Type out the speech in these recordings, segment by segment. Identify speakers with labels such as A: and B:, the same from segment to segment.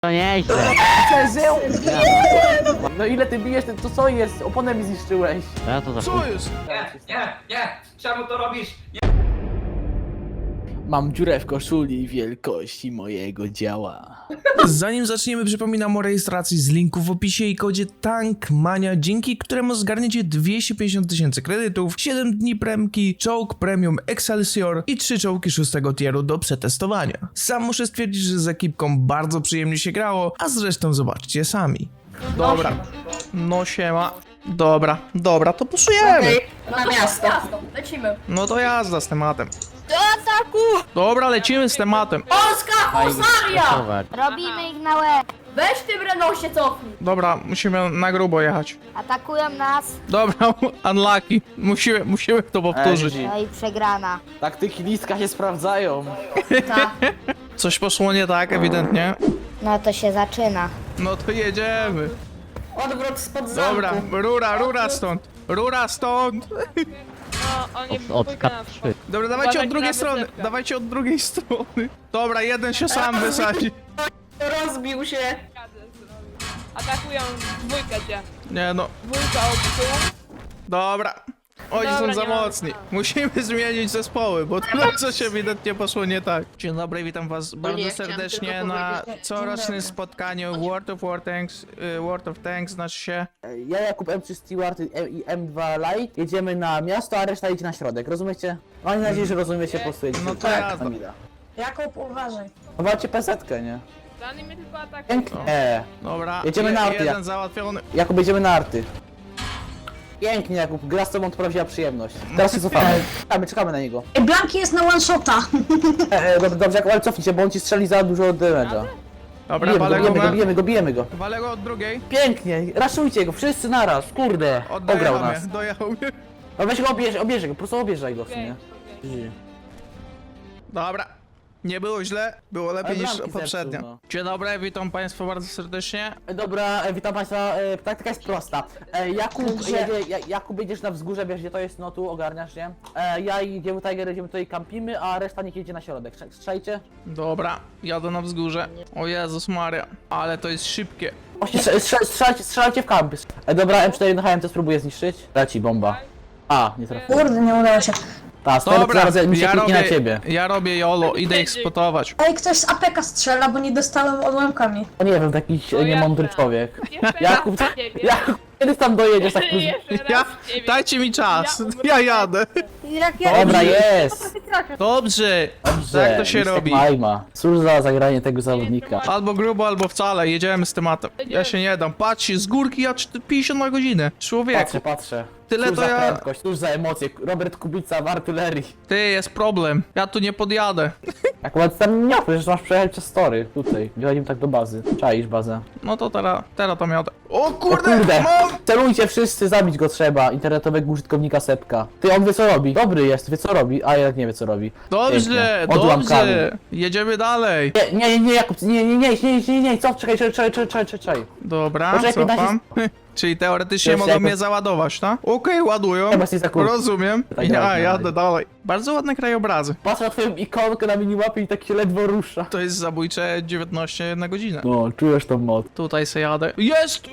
A: To nieźle.
B: Przeżył! No ile ty bijesz, to co jest? Oponę mi zniszczyłeś.
A: To ja to za
C: Co jest?
D: Nie! Czemu to robisz?
B: Mam dziurę w koszuli wielkości mojego działa.
C: Zanim zaczniemy, przypominam o rejestracji z linku w opisie i kodzie TANKMANIA, dzięki któremu zgarniecie 250 000 kredytów, 7 dni premki, czołg premium Excelsior i 3 czołgi 6 tieru do przetestowania. Sam muszę stwierdzić, że z ekipką bardzo przyjemnie się grało, a zresztą zobaczcie sami. Dobra, no siema. Dobra, to puszujemy.
E: Na miasto. Lecimy.
C: No to jazda z tematem.
E: Do ataku!
C: Dobra, lecimy z tematem.
E: Polska Husaria!
F: Robimy ich na łeb.
E: Weź tym Renault się cofnij.
C: Dobra, musimy na grubo jechać.
F: Atakują nas.
C: Dobra, unlucky. Musimy to powtórzyć.
B: GG.
F: No i przegrana.
B: Taktyki listka się sprawdzają.
E: Tak.
C: Coś poszło nie tak, ewidentnie.
F: No to się zaczyna.
C: No to jedziemy.
E: Odwrót spod zamku.
C: Dobra, rura stąd.
A: od K3.
C: Dobra, dawajcie od drugiej strony. Dawajcie od drugiej strony. Dobra, jeden się sam wysadzi.
E: Rozbił się.
G: Atakują dwójkę cię.
C: Nie no,
G: Dwójka od tyłu.
C: dobra. Oni
G: Dobra,
C: są za
G: nie ma-
C: mocni. Musimy zmienić zespoły, bo coś ewidentnie poszło nie tak. Dzień dobry, witam was bardzo serdecznie na corocznym spotkaniu World of Tanks, znaczy się.
B: Ja, Jakub M3 Stewart i M2 Light jedziemy na miasto, a reszta idzie na środek, rozumiecie? Mam nadzieję, że rozumiecie po prostu.
C: No to jazda.
E: Jakub, uważaj.
B: Chowacie pesetkę, nie?
G: Dany mnie tylko atakuje.
B: Pięknie.
C: Dobra,
B: Jedziemy na arty.
C: jeden załatwiony.
B: Jakub, jedziemy na arty. Pięknie, Jakub, gra z tobą to prawdziwa przyjemność. Teraz się cofamy. Czekamy na niego.
E: Blanki jest na one shota.
B: Dobrze, Jakub, ale cofnij się, bo on ci strzeli za dużo damage'a.
C: Dobra, walę go.
B: Bijemy go.
C: Walę go od drugiej.
B: Pięknie, raszujcie go, wszyscy naraz, kurde. Ograł nas.
C: Dojechał mnie.
B: No weź go, obierz go, po prostu obierzaj go w sumie.
C: Dobra. Nie było źle, było lepiej
B: Ale
C: niż
B: bramki
C: poprzednio.
B: zepsuł, no.
C: Dzień dobry, witam państwa bardzo serdecznie.
B: Dobra, witam państwa, taktyka jest prosta. Jakub jedziesz na wzgórze, wiesz gdzie to jest, no tu ogarniasz, nie? Ja i Dziewu Tiger jedziemy tutaj kampimy, a reszta niech jedzie na środek. Strzajcie?
C: Dobra, jadę na wzgórze. O Jezus Maria, ale to jest szybkie.
B: Właśnie strzelajcie w kampy. Dobra, M4 na HMC spróbuję zniszczyć. Leci bomba. A, nie trafiłem.
E: Kurde, nie udało się.
B: Ta,
C: Dobra,
B: zaraz mi się kliknie na ciebie.
C: ja robię YOLO, idę ich spotować.
E: Ej, ktoś z APK strzela, bo nie dostałem odłamkami.
B: O nie wiem, to jakiś
G: ja
B: niemądry
G: strzelam.
B: człowiek.
G: Jeszcze
B: Jakub,
G: raz ciebie.
B: Jakub, kiedy tam dojedziesz tak plus...
G: Jeszcze
C: Ja,
G: raz ciebie.
C: dajcie mi czas,
G: Ja umrę.
C: ja jadę.
B: Dobra, jest!
C: Dobrze,
B: Dobrze,
C: tak to się
B: Listek
C: robi.
B: Majma. Cóż za zagranie tego zawodnika.
C: Albo grubo, albo wcale, jedziemy z tematem. Ja się nie dam, patrzcie, z górki ja 50 na godzinę. Człowieku,
B: Patrzę.
C: Tyle
B: Cóż
C: to
B: za
C: ja-
B: prędkość, cóż za emocje. Robert Kubica w artylerii.
C: ty, jest problem, ja tu nie podjadę.
B: Akurat tam nie, przecież masz przejechać przez tory. Tutaj, wjedziemy tak do bazy. Czaisz bazę.
C: No to teraz tam jadę. O
B: O
C: kurde,
B: kurde!
C: mam!
B: Celujcie wszyscy, zabić go trzeba. Internetowego użytkownika Sepka. Ty, on wie co robi. Dobry jest, wie co robi, a jednak nie wie co robi.
C: Dobrze,
B: Pięknie. Odłam
C: dobrze, jedziemy dalej.
B: Nie, Jakub, nie, co? Czekaj.
C: Dobra,
B: Poczekaj,
C: cofam. Czyli teoretycznie
B: Już
C: mogą
B: jakoś-
C: mnie załadować, tak? Okej, ładują.
B: Chyba jesteś za krótki.
C: Rozumiem.
B: Tak,
C: Ja
B: dalej.
C: jadę dalej. Bardzo ładne krajobrazy.
B: Patrz na twoją ikonkę na minimapie i tak się ledwo rusza.
C: To jest zabójcze 19 na godzinę.
B: No, czujesz tą moc.
C: Tutaj se jadę. Jest!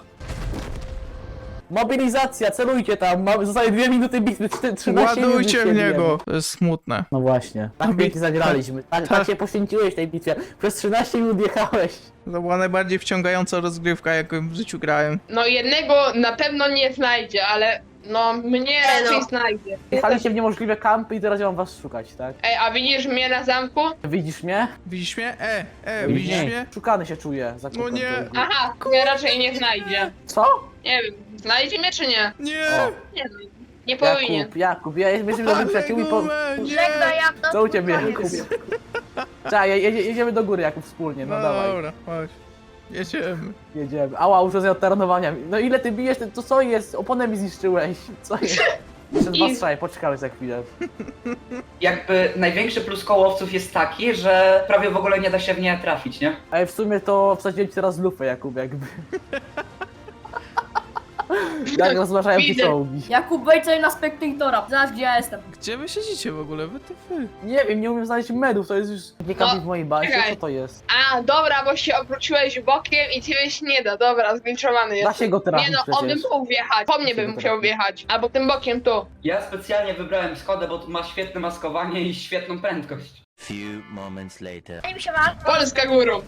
B: Mobilizacja, celujcie tam, zostaje 2 minuty bitwy, 13 minut
C: Ładujcie
B: się
C: w
B: bijemy.
C: niego. To jest smutne.
B: No właśnie, tak pięknie zagraliśmy. Tak się poświęciłeś tej bitwie. Przez 13 minut jechałeś.
C: To była najbardziej wciągająca rozgrywka, jaką w życiu grałem.
G: No jednego na pewno nie znajdzie, ale no mnie raczej znajdzie.
B: Jechaliście w niemożliwe kampy i teraz ja mam was szukać, tak?
G: Ej, a widzisz mnie na zamku?
B: Widzisz mnie?
C: Widzisz mnie? Widzisz
B: Nie.
C: mnie?
B: Szukany się czuję za
C: No nie.
G: Aha, mnie raczej nie znajdzie.
B: Co?
G: Nie wiem, znajdzie mnie czy nie?
C: Nie!
B: O.
G: Nie no, nie powinien.
B: Jakub, ja jesteśmy dobrymi przyjaciółmi po...
C: Nie!
B: Co u ciebie, Jakub? Czekaj, jedziemy do góry, Jakub, wspólnie, no dawaj.
C: Dobra, chodź. Jedziemy.
B: Jedziemy. Ała, uszkodzenie od taranowania. No ile ty bijesz, to co jest? Oponę mi zniszczyłeś. Co jest? Jeszcze 2 strzały, poczekamy za chwilę.
D: Jakby największy plus kołowców jest taki, że prawie w ogóle nie da się w nie trafić, nie?
B: Ale w sumie to wsadziłem ci teraz lufę, Jakub, jakby. Jak rozważają się
G: Widzę.
B: czołgi.
H: Jakub, wejdź sobie na spektatora. Zaraz gdzie ja jestem.
C: Gdzie wy siedzicie w ogóle? Wy to wy.
B: Nie wiem, nie umiem znaleźć medów, to jest już nie kampi w mojej bazie,
G: czekaj.
B: co to jest?
G: A, dobra, bo się obróciłeś bokiem i ciebie się nie da. Dobra, zgliczowany
B: Da
G: jest.
B: się go trafić
G: Nie no, on by
B: przecież.
G: mógł wjechać. Po mnie by
B: się go
G: musiał
B: trafi.
G: wjechać. Albo tym bokiem tu.
D: Ja specjalnie wybrałem Skodę, bo tu ma świetne maskowanie i świetną prędkość.
I: Few moments later.
G: Polska górą.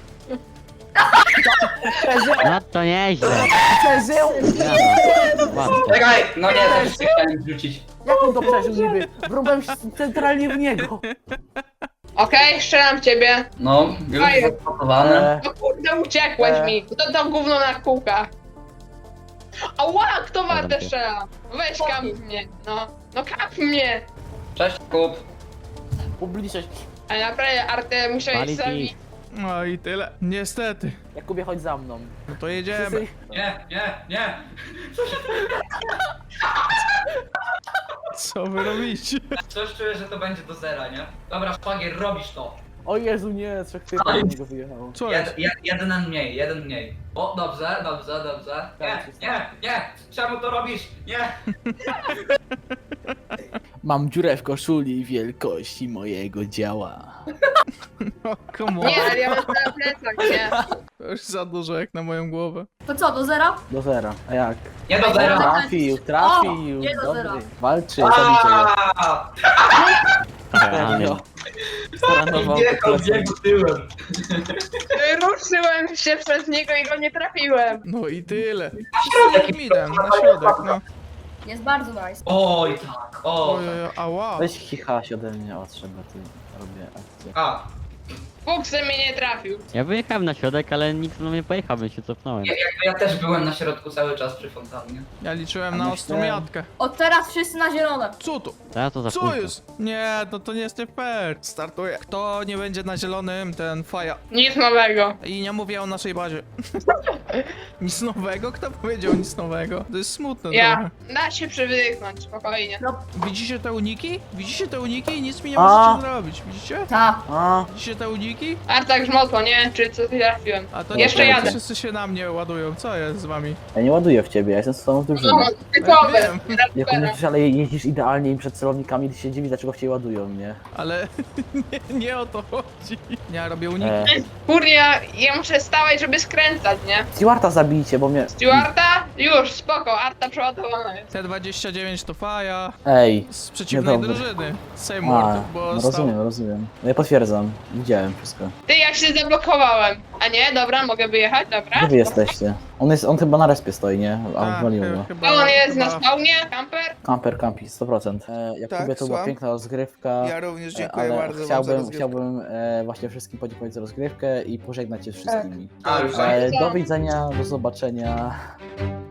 J: No to nieźle.
B: Przeżył!
J: Łatwo.
D: Czekaj, no nie, też się chciałem wrzucić.
B: Jak on to przeżył niby? Wrąbałem się centralnie w niego.
G: Okej, strzelam w ciebie.
D: No, już
G: Fajnie.
D: zapakowane.
G: No kurde, uciekłeś mi. To gówno na kółkach. Ała, kto warte strzela? Weź kap mnie, no. No kap mnie.
D: Cześć, Kup.
B: Ubliżać.
G: Ale naprawdę, Arte, musiałeś
J: Palić
G: zabić.
J: ich.
C: No i tyle. Niestety.
B: Jakubie, chodź za mną.
C: No to jedziemy.
B: Wszyscy...
D: Nie.
C: Co wy robicie?
D: Coś czuję, że to będzie do zera, nie? Dobra, szwagier, robisz to.
B: O Jezu, nie, trzech typów do niego wyjechało.
C: Co jest?
D: Jeden mniej. O, dobrze. Nie. Czemu to robisz? Nie.
B: Mam dziurę w koszuli wielkości mojego działa.
C: O, come on.
G: Nie, ale ja mam na plecach, nie?
C: To już za dużo jak na moją głowę.
H: To co, do zera?
B: Do zera. A jak?
D: Nie do zera.
B: Trafił.
H: nie do
B: Dobry.
H: zera.
B: Walczy, zabicie go.
J: Amen.
B: Staranował.
D: Biegł tyłem.
G: Ruszyłem się przez niego i go nie trafiłem.
C: No i tyle. Wszyscy midem, na środek, no.
H: Jest bardzo nice.
D: Oj, tak.
C: Oj, ała.
B: Weź chichaś ode mnie odszedł, ty robię akcję.
D: A,
G: Fuksy mnie nie trafił.
J: Ja wyjechałem na środek, ale nikt do mnie pojechał, więc się cofnąłem.
D: ja też byłem na środku cały czas przy fontannie.
C: Ja liczyłem
B: A
C: na
B: myślałem-
C: ostrą jatkę.
H: Od teraz wszyscy na zielone.
C: Co to?
J: Teraz to za
C: Co
J: późno.
C: jest? Nie, no to nie jest nie fair. Startuję. Kto nie będzie na zielonym, ten faja.
G: Nic nowego.
C: I nie mówię o naszej bazie. Nic nowego? Kto powiedział nic nowego? To jest smutne
G: Ja.
C: trochę.
G: Da się przywyknąć, spokojnie.
C: Widzicie te uniki? Widzicie te uniki i nic mi nie
B: A.
C: możecie zrobić. Widzicie?
H: Ta.
B: A,
C: Widzicie te uniki?
G: Arta grzmotło, nie? Czy co ty trafiłem?
C: A to
G: Jeszcze
C: nie
G: jadę.
C: wszyscy się na mnie ładują. Co jest z wami?
B: ja nie ładuję w ciebie, ja jestem z tobą w
G: No,
B: drużynie.
G: typowe.
C: wiem.
B: Jak mówisz, ale jeździsz idealnie im przed celownikami, ty się dziwisz, dlaczego w ciebie ładują, nie?
C: Ale nie o to chodzi. Ja robię uniki.
G: Kurde, ja muszę stawać, żeby skręcać, nie?
B: Stewarta zabijcie, bo mnie...
G: Stewarta? Już, spoko, Arta przeładowana jest.
C: T29 to faja.
B: Ej.
C: Z przeciwnej
B: Niedobry.
C: drużyny. Seymour,
B: A,
C: bo
B: no
C: stał...
B: rozumiem. No ja potwierdzam, widziałem wszystko.
G: Ty, ja się zablokowałem. A nie, dobra, mogę wyjechać, dobra.
B: Gdzie wy jesteście? On chyba na respie stoi, nie? A
C: Tak,
B: wywaliło go.
C: chyba-
G: A on jest na
C: chyba-
G: spawnie, kamper?
B: Camper campi, 100%. Jakubie,
C: Tak,
B: to była
C: słucham.
B: piękna rozgrywka.
C: Ja również dziękuję
B: ale
C: bardzo wam za rozgrywkę.
B: chciałbym właśnie wszystkim podziękować za rozgrywkę i pożegnać się z wszystkimi.
D: A, już
B: Do widzenia, do zobaczenia.